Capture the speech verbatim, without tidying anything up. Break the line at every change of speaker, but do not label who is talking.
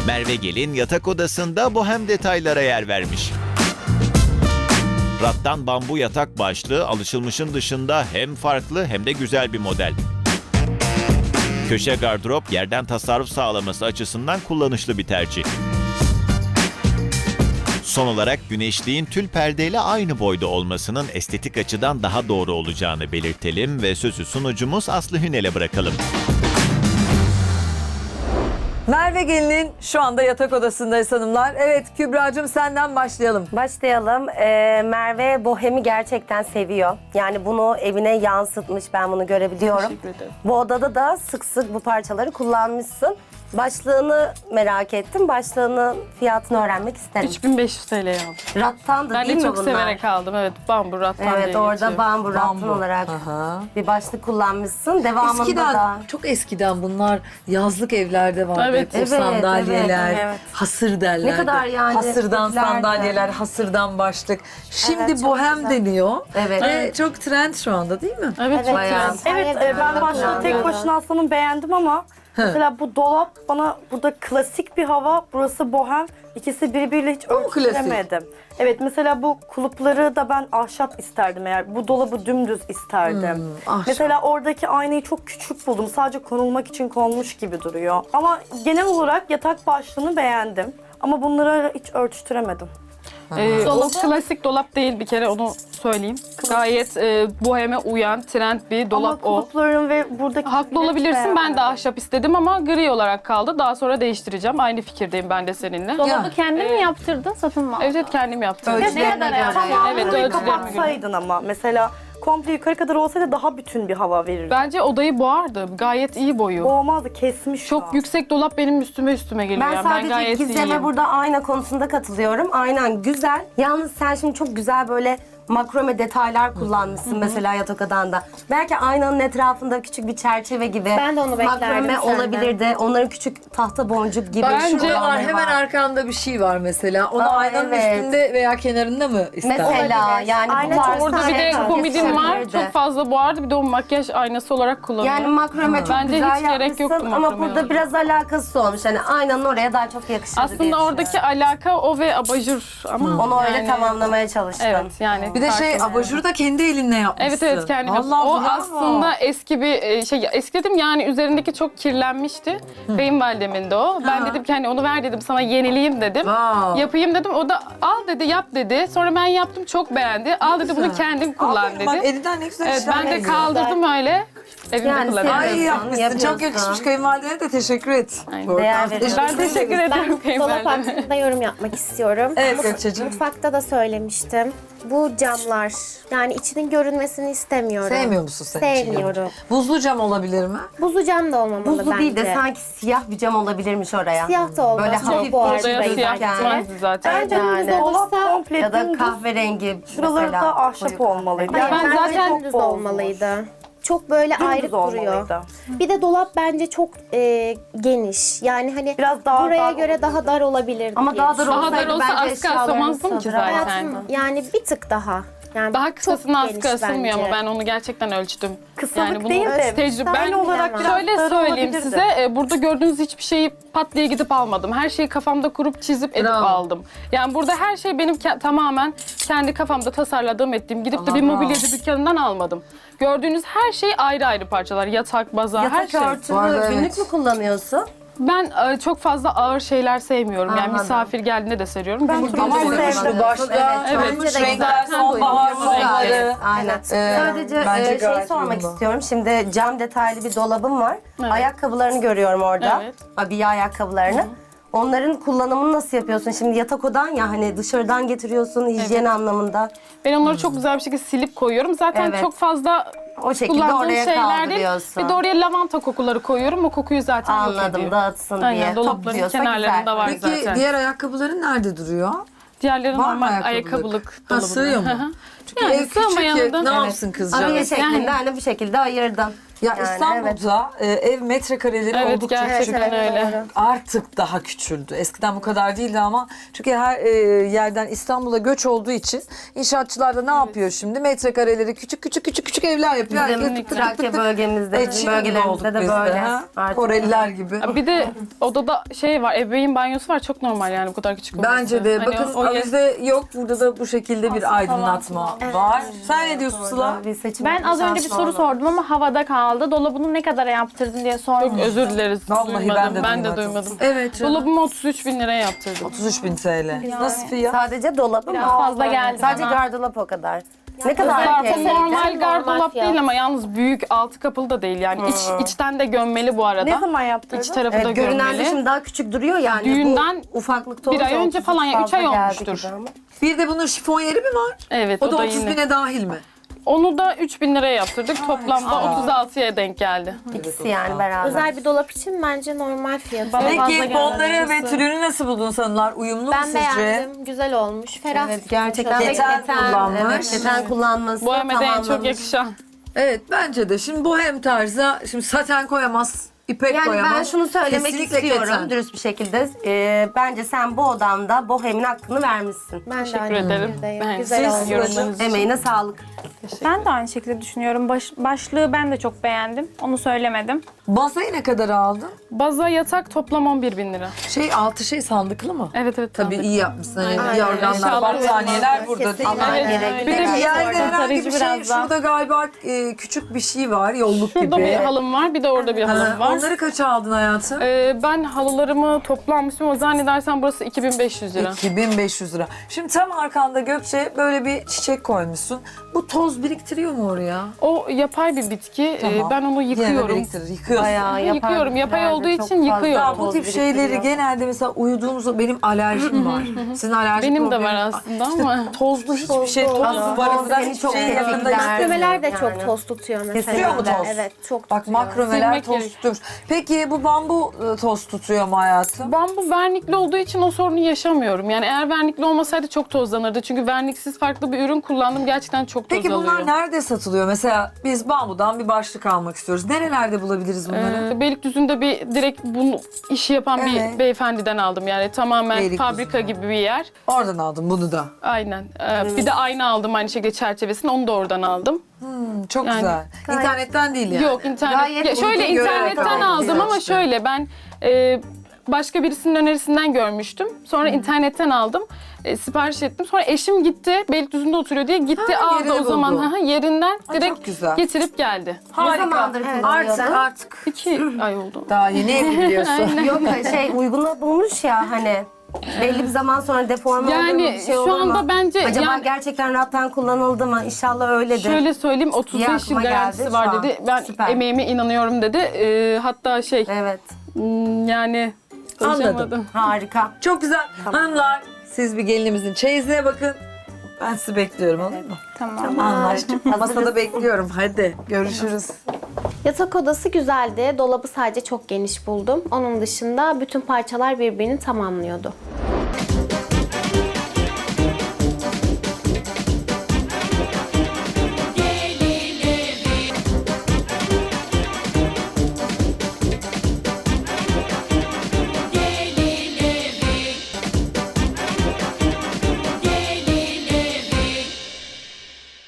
Merve Gelin yatak odasında bohem detaylara yer vermiş. Rattan bambu yatak başlığı alışılmışın dışında hem farklı hem de güzel bir model. Köşe gardırop yerden tasarruf sağlaması açısından kullanışlı bir tercih. Son olarak güneşliğin tül perdeyle aynı boyda olmasının estetik açıdan daha doğru olacağını belirtelim ve sözü sunucumuz Aslı Hünel'e bırakalım.
Merve Gelin'in şu anda yatak odasındayız hanımlar. Evet Kübra'cığım senden başlayalım.
Başlayalım. Ee, Merve bohemi gerçekten seviyor. Yani bunu evine yansıtmış, ben bunu görebiliyorum.
Teşekkür ederim.
Bu odada da sık sık bu parçaları kullanmışsın. Başlığını merak ettim. Başlığının fiyatını öğrenmek isterim.
üç bin beş yüz T L'ye aldım.
Rattandı
Ben
değil
de
mi
çok
bunlar?
severek aldım. Evet, bambu rattan
Evet,
diye
orada
geçiyor.
bambu rattan
Bambu.
olarak
Aha.
bir başlık kullanmışsın. Devamında
Eskiden,
da...
çok eskiden bunlar yazlık evlerde vardı.
Evet.
O
Evet,
sandalyeler,
evet, evet.
hasır derlerdi.
Ne kadar yani
Hasırdan
popülerdi.
sandalyeler, hasırdan başlık. Şimdi
Evet, çok
bohem
güzel.
deniyor.
Evet.
Ve çok trend şu anda değil mi?
Evet, çok
bayağı.
güzel.
Evet, e, ben başta tek başına aslında beğendim ama mesela bu dolap bana burada klasik bir hava, burası bohem. İkisi birbiriyle hiç
mu klasik?
ölçülemedim. Evet, mesela bu kulupları da ben ahşap isterdim eğer. Bu dolabı dümdüz isterdim.
ahşap.
Mesela oradaki aynayı çok küçük buldum. Sadece konulmak için konmuş gibi duruyor. Ama genel olarak yatak başlığını beğendim. Ama bunları hiç ölçtüremedim.
Ee, o klasik dolap değil, bir kere onu söyleyeyim. Gayet e, boheme uyan, trend bir dolap
ama
o.
kulupların ve buradaki...
Haklı olabilirsin, ben de ahşap istedim ama gri olarak kaldı. Daha sonra değiştireceğim. Aynı fikirdeyim ben de seninle.
Dolabı
Ya.
kendin mi yaptırdın, satın mı aldın?
Evet, evet, kendim yaptım.
Ölçülerine göre.
Tamam,
Evet,
evet,
ölçülerime göre.
kapatsaydın ama. Mesela komple yukarı kadar olsaydı daha bütün bir hava verirdi.
Bence odayı boğardı. Gayet iyi boyu.
Boğmazdı, kesmiş şu
Çok
an.
yüksek dolap benim üstüme üstüme geliyor.
Ben
yani. Ben
sadece
gayet
Gizem'e
iyiyim.
burada ayna konusunda katılıyorum. Aynen güzel. Yalnız sen şimdi çok güzel böyle makrome detaylar kullanmışsın mesela yatak odanda. Belki aynanın etrafında küçük bir çerçeve gibi
Ben de onu beklerdim
makrome
senden.
olabilirdi. Onların küçük tahta boncuk gibi.
Bence
şuraları
var, hemen
var.
arkanda bir şey var mesela. Onu
Aa,
aynanın
evet.
üstünde veya kenarında mı ister?
Mesela
Olabilir.
yani
Aynen,
bu tarz
Orada bir de
şeyler
komedim var.
yakışabilirdi.
Çok fazla boğardı. Bir de o makyaj aynası olarak kullanıyorum.
Yani makrome çok
Bence
güzel
hiç gerek
yapmışsın
yoktu
ama
makrome
burada
yapmaya.
biraz alakası olmuş. Hani aynanın oraya daha çok yakışırdı diye
Aslında
düşünüyorum.
oradaki alaka o ve abajur ama
Onu öyle
yani-
tamamlamaya çalıştın.
Evet, yani
Bir de şey
farklı.
abajuru da kendi elinle yapmışsın.
Evet, evet, kendim yaptım.
Allah
O
bravo.
aslında eski bir e, şey, eski dedim yani üzerindeki çok kirlenmişti. Kayınvalidemin de o. Ben dedim ki hani onu ver dedim, sana yenileyim dedim.
Wow.
Yapayım dedim. O da al dedi, yap dedi. Sonra ben yaptım, çok beğendi. Al dedi, bunu kendin kullan
Aferin, bak
dedi.
elinden ne güzel
Evet,
işler
ben de
geliyor.
kaldırdım öyle. Evimde
Yani
kullanıyorum.
Ay
Yapıyorsun,
yapmışsın. Çok
yapıyorsun.
yakışmış, kayınvalidene de teşekkür et.
Aynen.
Bu arada.
Değer veriyorum.
Ben teşekkür ederim
Ben dolap
kayınvalideme.
hakkında yorum yapmak istiyorum.
Evet,
Mut-
Gökçe'cim.
Mutfakta da söylemiştim. Bu camlar, yani içinin görünmesini istemiyorum.
Sevmiyor musun sen içini?
Sevmiyorum.
Buzlu cam olabilir mi?
Buzlu cam da olmamalı
Buzlu
bence.
değil de sanki siyah bir cam olabilirmiş oraya.
Siyah da olmaz.
Böyle
Çok
hafif
boğar
Odaya
beyaz
siyah
yani.
gitmezdi zaten.
Bence
Yani.
dümdüz
Olursa-
olsa komple
Ya da
dümdüz.
kahverengi
Şuraları
mesela.
da ahşap
koyu
olmalıydı.
kahverengi.
Hayır,
Ben
bence
zaten
dümdüz
çok
olmalıydı. Çok böyle
Dümdüz
ayrı duruyor.
olmalıydı.
Bir de dolap bence çok e, geniş. Yani hani
Biraz daha
buraya
dar
göre daha dar olabilirdi.
Ama
diye
daha dar
düşünüyorum.
Daha dar
olsaydı
olsa
bence
askı
eşyalarını
asamazdım ki
sığdıramazdı.
zaten.
Hayatım, yani bir tık daha. Yani
Daha
çok
kısasına askı
geniş
asılmıyor ama
bence.
ben onu gerçekten ölçtüm.
Kısalık
yani bunu
değil de
tecrübe.
ben
Ben
olarak biraz
şöyle
dar
söyleyeyim
olabilirdi.
size, e, burada gördüğünüz hiçbir şeyi pat diye gidip almadım. Her şeyi kafamda kurup çizip edip
Bravo.
aldım. Yani burada her şey benim ke- tamamen kendi kafamda tasarladığım, ettiğim. Gidip de bir
Allah
mobilyacı dükkanından almadım. Gördüğünüz her şey ayrı ayrı parçalar. Yatak, baza, her
Yatak
şey.
örtünü
Bu arada
günlük
evet.
mü kullanıyorsun?
Ben e, çok fazla ağır şeyler sevmiyorum. Yani
Anladım.
misafir geldiğinde de seriyorum.
Ben
Günlük
çok
Ama
kullanıyorum.
sevdim.
uyumuştu başta.
Evet,
Uyumuş
bence de
renkler,
güzel.
sonbahar
Uyumlu
sonları.
Evet, aynen.
Ee,
Sadece
bence
e, şey
gayet
sormak
uyumlu.
istiyorum. Şimdi cam detaylı bir dolabım var.
Evet.
Ayakkabılarını görüyorum orada.
Evet.
Abiye ayakkabılarını. Onların kullanımını nasıl yapıyorsun? Şimdi yatak odan ya hani dışarıdan getiriyorsun hijyen anlamında.
Ben onları çok güzel bir şekilde silip koyuyorum. Zaten
Evet.
çok fazla
O şekilde
kullandığım
oraya
şeyler değil.
kaldırıyorsun.
Bir de oraya lavanta kokuları koyuyorum. O kokuyu zaten yok
Anladım,
ediyor.
dağıtsın
Aynen,
diye.
dolapların
Topluyorsa
kenarlarında
güzel.
var
Peki
zaten.
diğer ayakkabıların nerede duruyor?
Diğerleri
Var mı
normal
ayakkabılık?
ayakkabılık
Ha,
dolabında.
sığıyor mu?
Hı hı.
Çünkü
Yani
ev küçük
sığmayanı
ya,
da-
ne
Evet.
yapsın kızcağız?
Araya
Evet,
şeklinde
yani.
hani bu şekilde ayırdım.
Ya
Yani
İstanbul'da e, ev metrekareleri
Evet,
oldukça
gerçekten
küçük.
öyle.
Artık daha küçüldü. Eskiden bu kadar değildi ama çünkü her e, yerden İstanbul'a göç olduğu için inşaatçılar da ne yapıyor şimdi? Metrekareleri küçük küçük küçük küçük evler yapıyor.
Bizim
Herkes tık tık
Trakya
tık tık.
bölgemizde,
E,
bizim
Çin'de olduk
bölgelerimizde de
biz
böyle.
ha?
Artık.
Koreliler gibi.
Bir de odada şey var, ebeveyn banyosu var. Çok normal yani bu kadar küçük olması.
Bence de.
Hani
Bakın
o- o yer-
avize yok. Burada da bu şekilde bir aydınlatma var. Sen ne diyorsun Sıla?
Bir seçim
Ben az önce bir
şansı
soru
oldu.
sordum ama havada kaldı. Dolabını ne kadara yaptırdın diye sordum.
Çok özür dileriz.
Vallahi
duymadım.
ben de
ben de
duymadım.
duymadım.
Evet canım.
Dolabımı otuz üç bin liraya yaptırdım.
otuz üç bin T L. Nasıl fiyat?
Sadece dolabı
Biraz
mı?
fazla geldi
Sadece
bana.
gardırop o kadar. Ne kadar
Zarfı
kesinlikle?
normal gardırop
fiyat.
değil ama yalnız büyük altı kapılı da değil yani iç içten de gömmeli bu arada.
Ne zaman yaptırdın?
İç tarafı da
Evet, görünen de
gömmeli.
şimdi daha küçük duruyor yani.
Düğünden
bu ufaklıkta
bir ay
olunca
önce
otuz
falan ya, üç
fazla
ay
geldi
olmuştur.
gibi ama.
Bir de bunun şifon yeri mi var?
Evet
O da otuz
yine.
bine dahil mi?
Onu da üç bin liraya yaptırdık. Toplamda otuz altıya denk geldi.
İkisi yani beraber.
Özel bir dolap için bence normal fiyatı.
Bana fazla
Peki
geldi
fonları ve
açıkçası.
türünü nasıl buldun sanırlar? Uyumlu mu
Ben
sizce?
beğendim. Güzel olmuş. Ferah.
Evet gerçekten
Şöyle
Keten kullanmış.
Evet, keten kullanması
Bu Mehmet'e en çok
tamamlamış.
yakışan.
Evet bence de. Şimdi bohem tarzı, şimdi saten koyamaz, ipek
Yani
koyamaz.
ben şunu söylemek
Kesinlikle
istiyorum
keten.
dürüst bir şekilde. Ee, bence sen bu odamda bohemin hakkını vermişsin.
Ben de
Teşekkür
aynı
ederim.
fikirdeyim.
Ben
Güzel
siz
olmuş.
yorumlarınız için.
Emeğine sağlık.
Ben de aynı şekilde düşünüyorum. Baş- başlığı ben de çok beğendim. Onu söylemedim.
Masayı ne kadar aldın?
Baza yatak toplam on bir bin lira.
Şey altı şey sandıklı mı?
Evet evet.
Tabii
sandık.
iyi yapmışsın. Hani
Aynen.
yorganlar,
Eşyalar
battaniyeler burada değil
Kesinlikle.
mi?
Evet.
gerek.
Bir de
Bir
bir
Yerde herhangi
Tarayıcı
bir şey,
biraz daha.
şurada galiba e, küçük bir şey var, yolluk
Şurada
gibi.
bir halım var, bir de orada bir halım
Ha,
var.
Onları kaça aldın hayatım?
Ee, ben halılarımı toplanmıştım ama zannedersem burası iki bin beş yüz lira.
iki bin beş yüz lira. Şimdi tam arkanda Gökçe böyle bir çiçek koymuşsun. Bu toz biriktiriyor mu oraya?
O yapay bir bitki. Ee,
Tamam.
ben onu
Yine de
yıkıyorum.
biriktirir, yıkıyorsun.
Bayağı yapar.
Yıkıyorum. Yapay
bitkilerde
olduğu
çok
için
fazla
yıkıyorum.
Ya bu
toz
tip şeyleri
biriktiriyor.
genelde mesela uyuduğumuzda benim alerjim var. Sizin alerji
Benim de
problemi-
var aslında ama.
Tozlu hiçbir şey, toz
Aslında
barındıran
seni
hiçbir
çok
şey yanında
tetikler.
istemiyorum.
Makromeler de
Yani.
çok toz tutuyor mesela.
Tutuyor mu toz?
Evet çok
Bak
tutuyor.
makromeler
Silmek
toz
gerek.
tutuyor. Peki bu bambu e, toz tutuyor mu hayatım?
Bambu vernikli olduğu için o sorunu yaşamıyorum. Yani eğer vernikli olmasaydı çok tozlanırdı. Çünkü verniksiz farklı bir ürün kullandım. Gerçekten çok toz
Peki bunlar
alıyor.
nerede satılıyor? Mesela biz bambudan bir başlık almak istiyoruz. Nerelerde bulabiliriz bunları?
Ee, Beylikdüzü'nde bir direkt bunu işi yapan
Evet.
bir beyefendiden aldım. Yani tamamen
Beylikdüzü'nde.
fabrika gibi bir yer.
Oradan aldım bunu da.
Aynen. Ee, Bir de ayna aldım aynı şekilde çerçevesini. Onu da oradan aldım.
Hmm, çok
Yani
güzel. İnternetten değil yani.
Yok internet.
Gayet
Ya şöyle
uygun göre
internetten
aldım.
aldım ama
İşte.
şöyle ben e, başka birisinin önerisinden görmüştüm. Sonra internetten aldım. E, sipariş ettim. Sonra eşim gitti. Beylikdüzü'nde oturuyor diye gitti
Ha,
aldı
yerini
o zaman
buldu.
ha, ha, yerinden
Ay,
direkt
çok güzel.
getirip geldi.
Harika.
zamandır
Artık
kullanıyorsun?
artık.
İki ay oldu.
Daha yeni evleniyorsun.
Yok şey uyguna bulmuş ya hani. Belli bir zaman sonra deforme olur mu?
Yani
Bir şey
şu
olur mu?
anda bence
Acaba
yani
gerçekten rattan kullanıldı mı? İnşallah öyledir.
şöyle söyleyeyim otuz beş yıl
aklıma geldi
garantisi
şu
var
an.
dedi. Ben
Süper.
emeğime inanıyorum dedi. E, hatta şey
Evet.
hmm, yani konuşamadım.
Harika.
Çok güzel. Hanımlar siz bir gelinimizin çeyizine bakın. Ben sizi bekliyorum olur mu?
Tamam.
Anlaştık. Masada bekliyorum. Hadi görüşürüz.
Yatak odası güzeldi. Dolabı sadece çok geniş buldum. Onun dışında bütün parçalar birbirini tamamlıyordu.